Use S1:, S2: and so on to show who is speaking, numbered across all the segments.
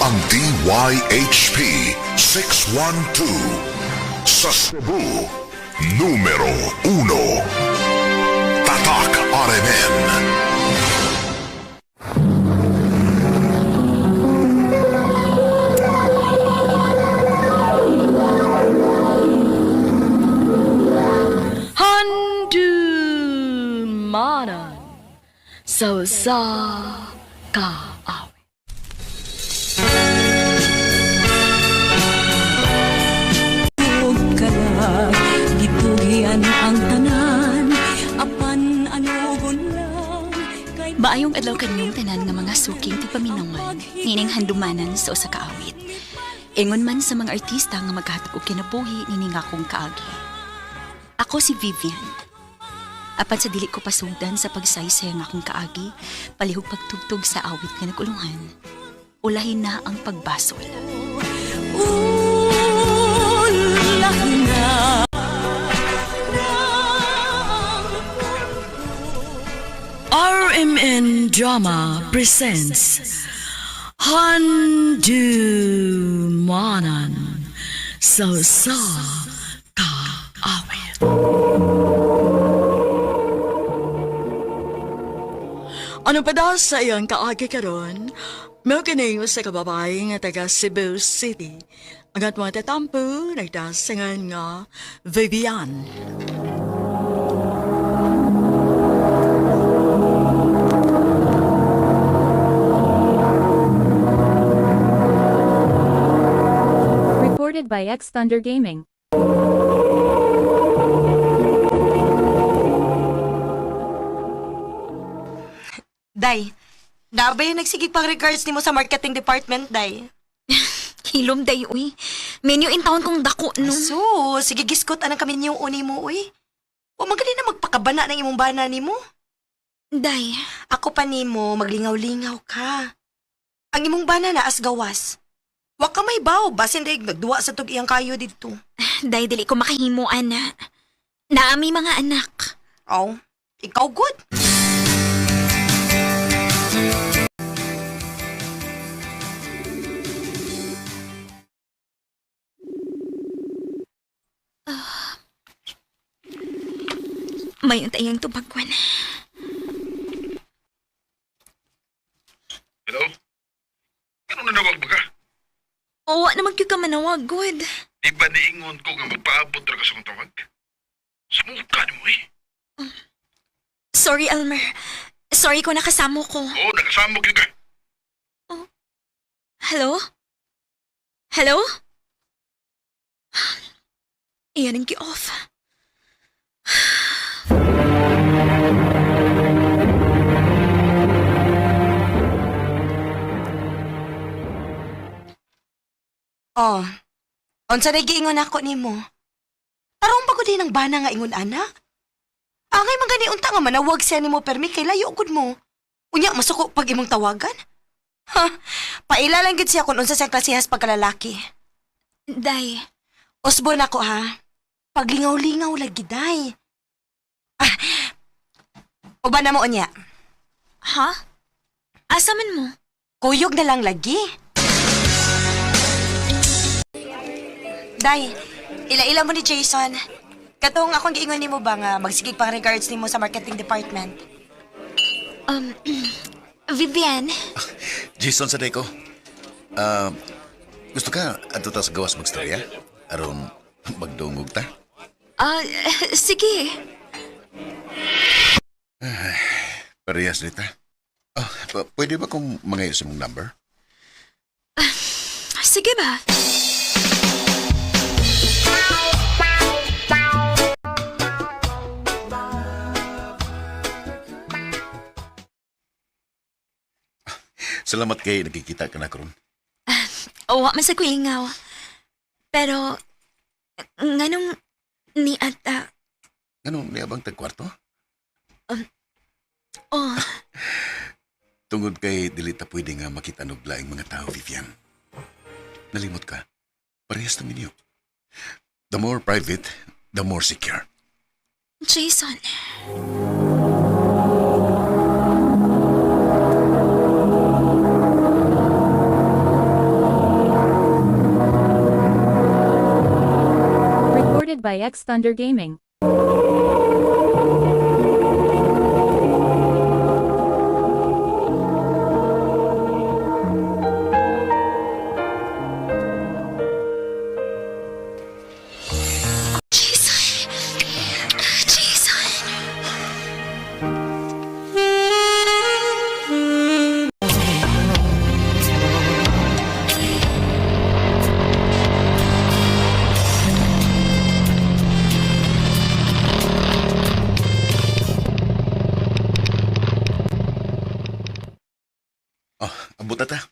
S1: ang DYHP 612 sa Cebu, numero 1. Tatak RMN.
S2: Handumanan sa kaawit.
S3: Gipugian ang tanan apan anugon lang kay
S4: Maayong adlaw kanyong tanan nga mga suking ti paminawan, nining handumanan sa usa ka awit. Ingon man sa mga artista nga maghatag og kinabuhi nining akong kaagi. Ako si Vivian. Apan sa dili ko pasugdan sa pagsaysay nga akong kaagi, palihog pagtugtog sa awit nga naguluhan. Ulahin na ang pagbasol.
S3: ulah na
S2: RMN Drama presents Handumanan sa kaawit. Ano pa daw sa iyang kaagi karon? May kinayo sa kababae nga taga Cebu City. Ang atong tatampo, nagdasangan nga Vivian.
S5: Recorded by X Thunder Gaming.
S6: Day, nabay nagsigig pang regards nimo sa marketing department, Day.
S4: Hilom day, uy. Menu in town kong dako, no?
S6: So, sige giskot anang kami niyong uni mo, uy. O magali na magpakabana ng imong bana nimo.
S4: Day,
S6: Ako pa nimo, maglingaw-lingaw ka. Ang imong bana na as gawas. Wa ka may baw, basin daig nagduwa sa tug iyang kayo dito.
S4: day dili ko makahimuan na. Naami mga anak.
S6: Oh, ikaw good.
S4: Mayon tayong tubagwan.
S7: Hello? Ano nanawag ba ka?
S4: Oo, naman kayo ka manawag, good.
S7: Di ba niingon ko nga magpaabot ra ka sa kong tawag? Sumuka ni mo eh.
S4: Sorry, Elmer. Sorry ko nakasamo ko.
S7: Oo, nakasamok yun ka.
S4: Hello? Hello? Iyan ang ki-off.
S6: Oh, unsa na giingon ako nimo? Tarong pa ko din ang bana nga ingon ana. Angay man gani unta nga manawag siya nimo permi kay layo gud mo. Unya masuko pag imong tawagan. Ha, paila lang gid siya kung unsa siyang klasehas pagkalalaki.
S4: Day,
S6: Usbon ako ha. Paglingaw-lingaw lagi day. Uban na mo unya.
S4: ha? Asa man mo?
S6: Kuyog na lang lagi. Day, ila-ila mo ni Jason. Katong akong giingon nimo ba nga magsigig pang regards nimo sa marketing department.
S4: Vivian,
S8: Jason sa ko. Gusto ka ato ta sa gawas magstorya? Aron magdungog ta?
S4: sige.
S8: Parehas nita. Pwede ba kung mangayo sa mong number?
S4: Sige ba?
S8: Salamat kay nakikita ka na karon.
S4: Wa man sa kulingaw. Pero, nganong ni ata,
S8: Anong niabang tagkwarto?
S4: oh,
S8: Tungod kay dili ta pwede nga makita og laing mga tao, Vivian. Nalimot ka. Parehas ng inyo. The more private, the more secure.
S4: Jason.
S5: by X Thunder Gaming.
S4: Jason! Jason!
S8: Oh, abot na ta.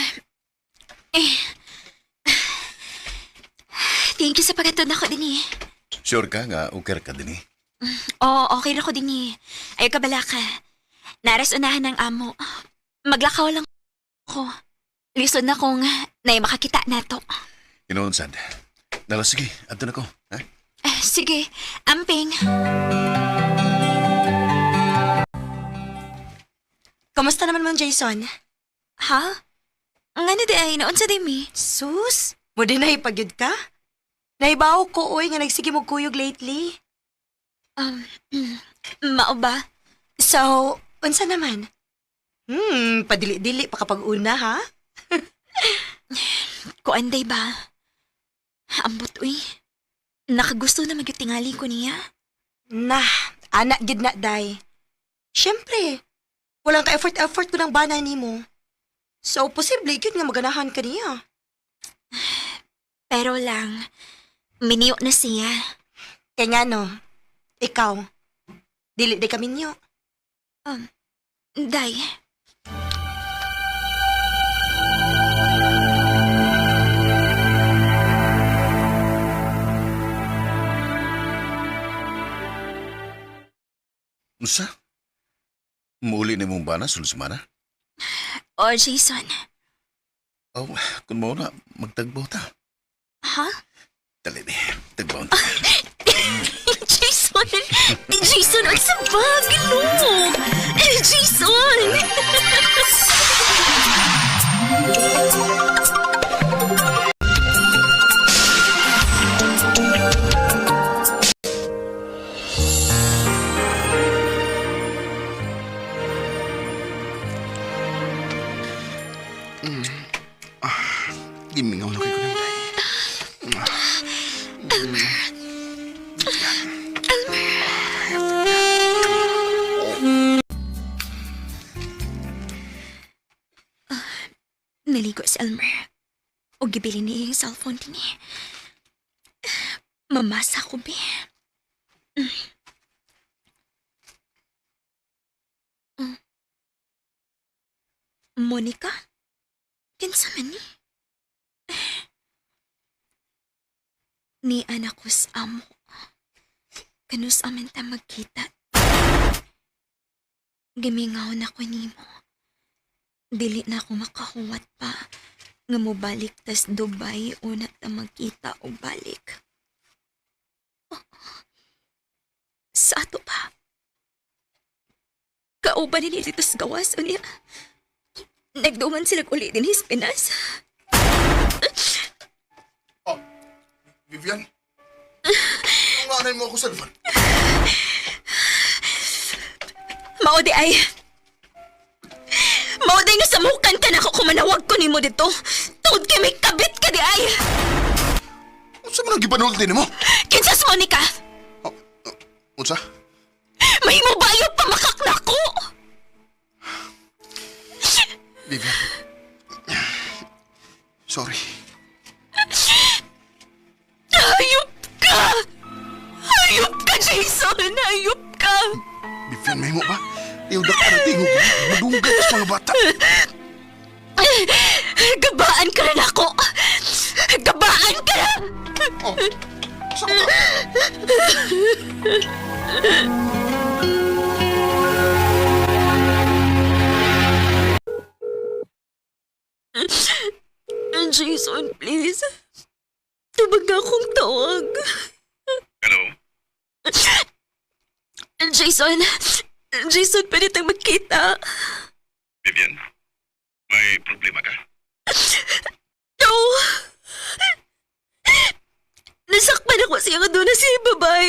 S4: Thank you sa pagkatod na ko din eh.
S8: Sure ka nga, okay ka din eh.
S4: Oo, okay na ko din eh. Ayaw ka bala ka. Naras unahan ng amo. Maglakaw lang ko. Lisod na kung na makakita na to.
S8: Inoon, sad. Dala, sige, ato na ko. Ha?
S4: Sige, amping.
S6: Kamusta naman man, Jason?
S4: Ha? Nga na di ay, noon sa dimi.
S6: Sus, mo din nahipagyod ka? Naibaw ko, oy, nga nagsige mo kuyog lately.
S4: Mao ba?
S6: So, unsa naman? Padili-dili pa kapag una, ha?
S4: Kuanday ba? Ambot, uy. Nakagusto na magyutingali ko niya.
S6: Nah, anak gid na, day. Siyempre, walang ka-effort ko ng bana ni mo. So, posible yun nga maganahan ka niya.
S4: Pero lang, miniyo na siya.
S6: Kaya nga no, ikaw, dili di kami niyo.
S4: Day.
S8: Usa? Muli na mong bana, sulusmana?
S4: O, Jason.
S8: Oh, kung mo na, magtagbaw ta.
S4: Ha?
S8: Dali, tagbaw ta.
S4: Jason! Jason, ang sabag! No! Jason!
S1: Gimingaw na kayo ng day.
S4: Naligo si Elmer. O gibili niya yung cellphone din eh. Mamasa ko, be. Monica? Kinsa man ni? Ni anak ko sa amo. Kanus amin ta magkita. Gimingaw na ko nimo. Dili na ako makahuwat pa. Nga mo balik tas Dubai una ta magkita o balik. Oh. Sa ato pa. Kauban ni dito sa gawas unya. Nagduman sila uli din his Pinas.
S1: Vivian? Ang anay mo ako sa lufan.
S4: Maudi ay. Maudi nga samukan ka na ako kumanawag ko ni mo dito. Tungod kay may kabit ka di ay.
S1: Unsa man ang gipanulot din mo?
S4: Kinsas Monica.
S1: Unsa?
S4: May mo bayo pamakak na ko.
S1: Vivian. Sorry.
S4: Hayop ka! Hayop ka, Jason! Hayop ka!
S1: Vivian, may mo ba? Iyong ka na tingog. Madunggat sa mga bata.
S4: Gabaan ka rin ako! Gabaan ka na!
S1: Oh, saan ka?
S4: Jason, please. Tubag akong tawag.
S7: Hello?
S4: Jason! Jason, pwede tayong magkita.
S7: Vivian? May problema ka?
S4: No! Nasakpan ako
S3: siya nga doon na si babay.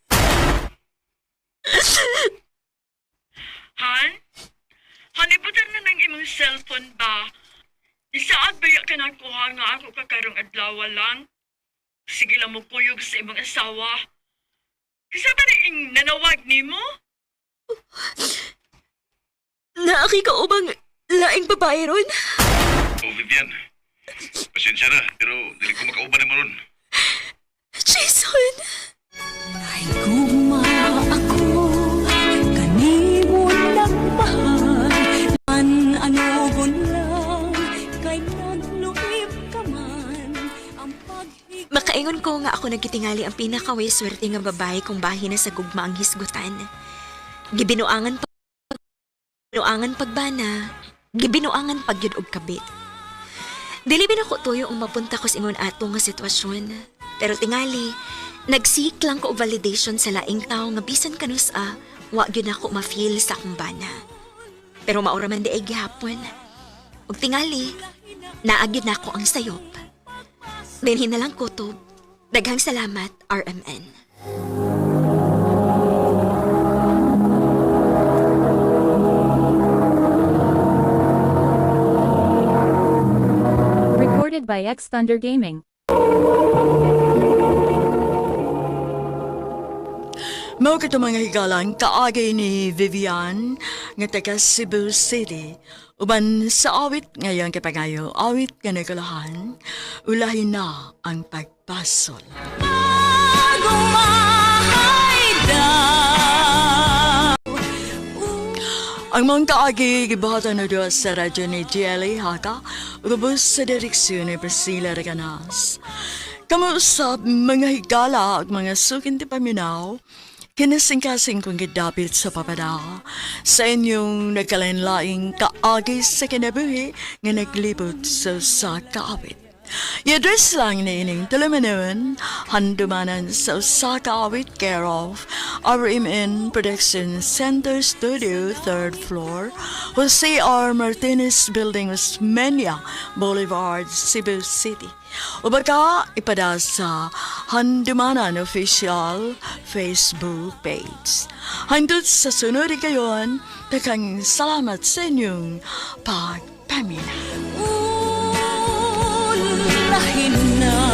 S2: Han? Hanibutan na ng imong cellphone ba? Isaad ba ka nakuha nga ako kakarong adlaw lang? Sige lang mo kuyog sa imong asawa. Kasi ba rin nanawag ni mo?
S3: Naaki ka ubang laing babae ron?
S7: Oh, Vivian. Pasensya na, pero dili ko makauban mo ron.
S3: Jason!
S6: Ay guma ako, kanimo lang mahal. Ano lang, kay nagluib ka man. Ang paghigit
S3: Makaingon ko nga ako nagkitingali ang pinakaway swerte nga babae kung bahin na sa gugma ang hisgutan. Gibinuangan pagbana, gibinuangan pagyud og kabit. Dili binako tuyo ang mapunta ko sa ingon ato nga sitwasyon. Pero tingali, nagsik lang ko og validation sa laing tao nga bisan kanus wa gyud ako ma-feel sa akong bana. Pero maura man di ay gihapon. Og tingali, naagyud na ako ang sayop. Dinhin na lang kutob. Daghang salamat, RMN.
S5: Recorded by X Thunder Gaming.
S2: Mao kato mga higalan kaagay ni Vivian nga taga Cebu City. Uban sa awit ngayon kapangayo, awit nga nagalahan, ulahin na ang pagpasol. Ang mga kaagi gibahatan na doon sa radyo ni GLA Haka, ubos sa direksyon ni Priscilla Reganas. Kamuusap mga higala at mga sukin ti paminaw, kinasingkasing kong gidapit sa papada sa inyong nagkalain-laing kaagi sa kinabuhi nga naglibot sa kaawit. I-address lang na ining talamanun, handumanan sa Osaka Awit care of RMN Production Center Studio, 3rd floor, Jose R. Martinez Building, Osmeña Boulevard, Cebu City. O baka ipada sa Handumanan Official Facebook page. Handot sa sunod kayon, takang salamat sa inyong pagpamina.
S6: lahin na